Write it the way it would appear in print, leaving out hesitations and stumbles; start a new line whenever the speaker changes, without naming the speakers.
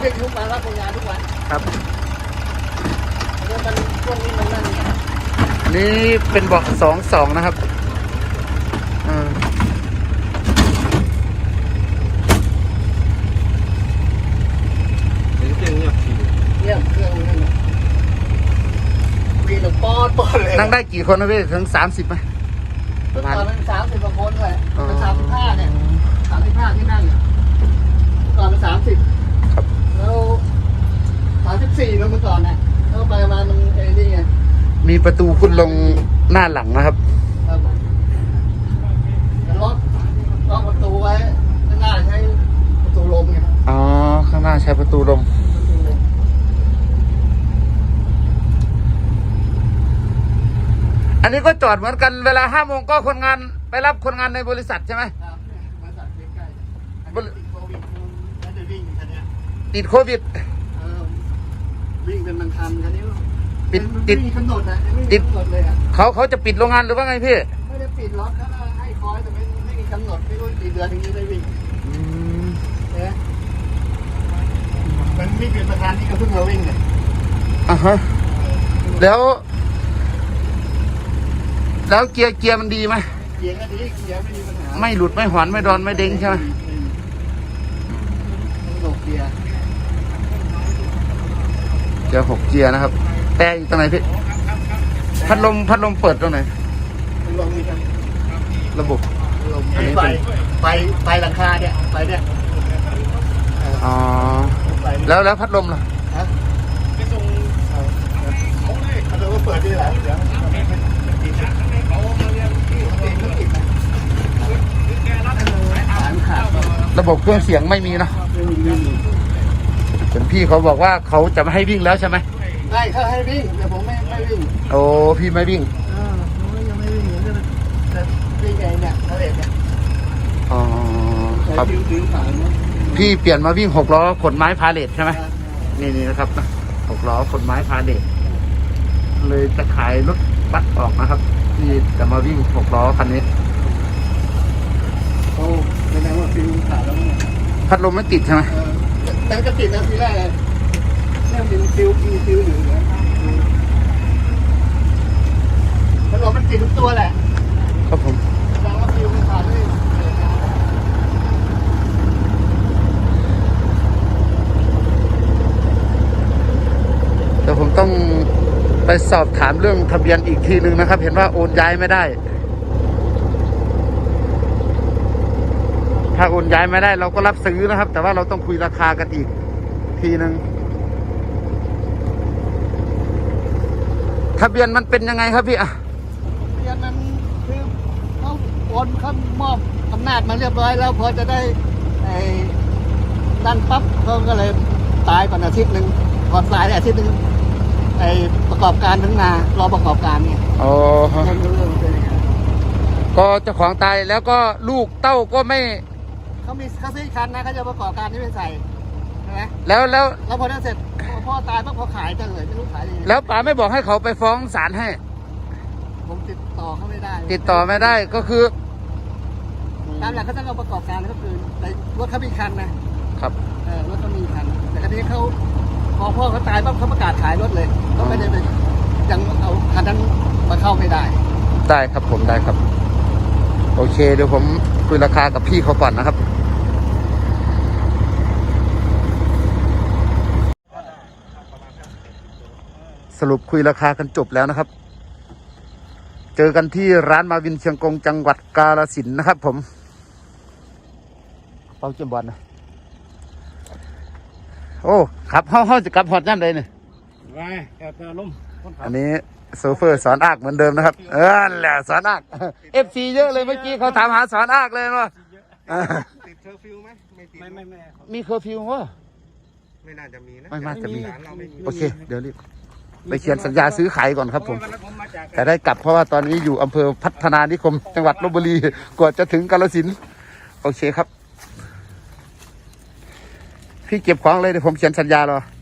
เรียกยุคมารับงานทุกวัน
ครับ
แล้วมันช่วงนี้มันนั่น
นี่เป็นเบาะ2-2นะครับ
เงียบเครื่องนั่นมีหนึ่งปอนเลย
นั่งได้กี่คนนะพี่ถึง30ไหม
ประมาณเป็น30กว่าคนเลยเป็น35เนี่ย35ที่นั่งก่อนเป็น30
ครับ
แล้ว34แล้วเมื่อก่อนเนี่ยแล้วไปมามันไอ้นี่ไง
มีประตูขึ้นลงหน้าหลังนะครับ
ล็อกประตูไว้ข้างหน้าใช้ประตูลมไง
อ๋อข้างหน้าใช้ประตูลมอันนี้ก็จอดเหมือนกันเวลา5 โมงก็คนงานไปรับคนงานในบริษัทใช่ไหม
ครับบริษัทใกล้ๆติดโควิดแล้วจะวิ่งคันนี้
ติดโควิด
วิ่งเป็นบางคันคันนี้
ติด
กำหนดนะไม่มีกำหนดเลยอ่ะ
เขาจะปิดโรงงานหรือว่าไงพี่
ไม่ได้ปิดล็อกเขาให้คอยแต่ไม่มีกำหนดไม่รู้กี่เดือนถึงจะได้วิ่งเนี่ยมันวิ่งเป็นประธานที่เขาเพิ่งมาวิ่งเนี่ย
แล้วเกียร์มันดีไหม
เกียร์ก็ดีเกียร์ไม่มีปัญหา
ไม่หลุดไม่หอนไม่ดอนไม่เด้งใช่ไหม
6 เกียร์
6 เกียร์นะครับแต่อยู่ตรงไหนพี่พัดลมเปิดตรงไหนระบบ
อันนี้ไฟหลังคาเนี่ยไฟเนี่ย
อ๋อแล้วพัดลมล่ะ
ไปส่งพัดลมก็เปิดดีแหละเดี๋ยว
ระบบเครื่องเสียงไม่มีนะเป็นพี่เขาบอกว่าเขาจะไม่ให้วิ่งแล้วใช่ไหม
ได้เขาให้วิ่งแต่ผมไม่วิ่ง
โอ้พี่ไม่วิ่ง
ผมยังไม่วิ่งแต่วิ่งไงเนี่ยเขาเองเนี่ย
อ๋อครับพี่เปลี่ยนมาวิ่ง6 ล้อขนไม้พาเลทใช่ไหมนี่นะครับ6 ล้อขนไม้พาเลทเลยจะขายรถบัสออกนะครับที่จะมาวิ่ง6 ล้อคันนี้
โอ้แสดงว่าฟิวขาดแล้ว
พัดลมไม่ติดใช่ไหม
แต่ก็ติดนะทีแรกเลยเนี่ยมีฟิวอยู่นะพัดลมมันติดทุกตัวแหละ
ครับผม
แสดงว่าฟิวขาดเลย
เดี๋ยวผมต้องไปสอบถามเรื่องทะเบียนอีกทีนึงนะครับเห็นว่าโอนย้ายไม่ได้ถ้าโอนย้ายไม่ได้เราก็รับซื้อนะครับแต่ว่าเราต้องคุยราคากันอีกทีนึงทะเบียนมันเป็นยังไงครับพี่อะ
ทะเบียนมันคือเขาโอนเขามอบอำนาจมาเรียบร้อยแล้วพอจะได้ไอ้นั่นปั๊บเขาก็เลยตายก่อนอาทิตย์นึงก่อนตายอาทิตย์นึงไอ้ประกอบการทั้งนารอประกอบการเนี่ย
อ๋อก็เจ้าของตายแล้วก็ลูกเต้าก็ไม่
เขาซื้อคันนะเขาจะประกอบการที่ไม่ใส่ใช่ไหม
แล้ว
พอนั้นเสร็จพ่อตายพอขายจะเลยไม่รู้ขายยังไง
แล้วป๋าไม่บอกให้เขาไปฟ้องศาลให้
ผมติดต่อเขาไม่ได้
ติดต่อไม่ได้ก็คือ
ตามหลักเขาจะเอาประกอบการก็คือรถเขามีคันนะครับรถเขามีคันแต่ทีนี้เขาพอพ่อเขาตายปั๊บเขาประกาศขายรถเลยเขาไม่ได้ไปยังเอาคันนั้นมาเข้าไม่ได้
ครับผมได้ครับโอเคเดี๋ยวผมคุยราคากับพี่เขาก่อนนะครับสรุปคุยราคากันจบแล้วนะครับเจอกันที่ร้านมาวินเชียงกงจังหวัดกาฬสินธุ์นะครับผมเป้าเจียมบอลนะโอ้ครับเขาจะกลับฮอดย่ำใดเนี่ยอันนี้โซเฟอร์สอนอากเหมือนเดิมนะครับแหละสอนอากFC เยอะเลยเมื่อกี้เขาถามหาสอนอากเลยว่า
ติดเคอร์ฟิวไหมไม่ติด
ไม่มีเคอร์ฟิววะ
ไม่น่าจะมีนะ
ไม่น่าจะมีโอเคเดี๋ยวรีบไปเขียนสัญญาซื้อขายก่อนครับผมแต่ได้กลับเพราะว่าตอนนี้อยู่อำเภอพัฒนานิคมจังหวัดลพบุรีกว่าจะถึงกาฬสินธุ์โอเคครับพี่เก็บของเลยเดี๋ยวผมเขียนสัญญารอ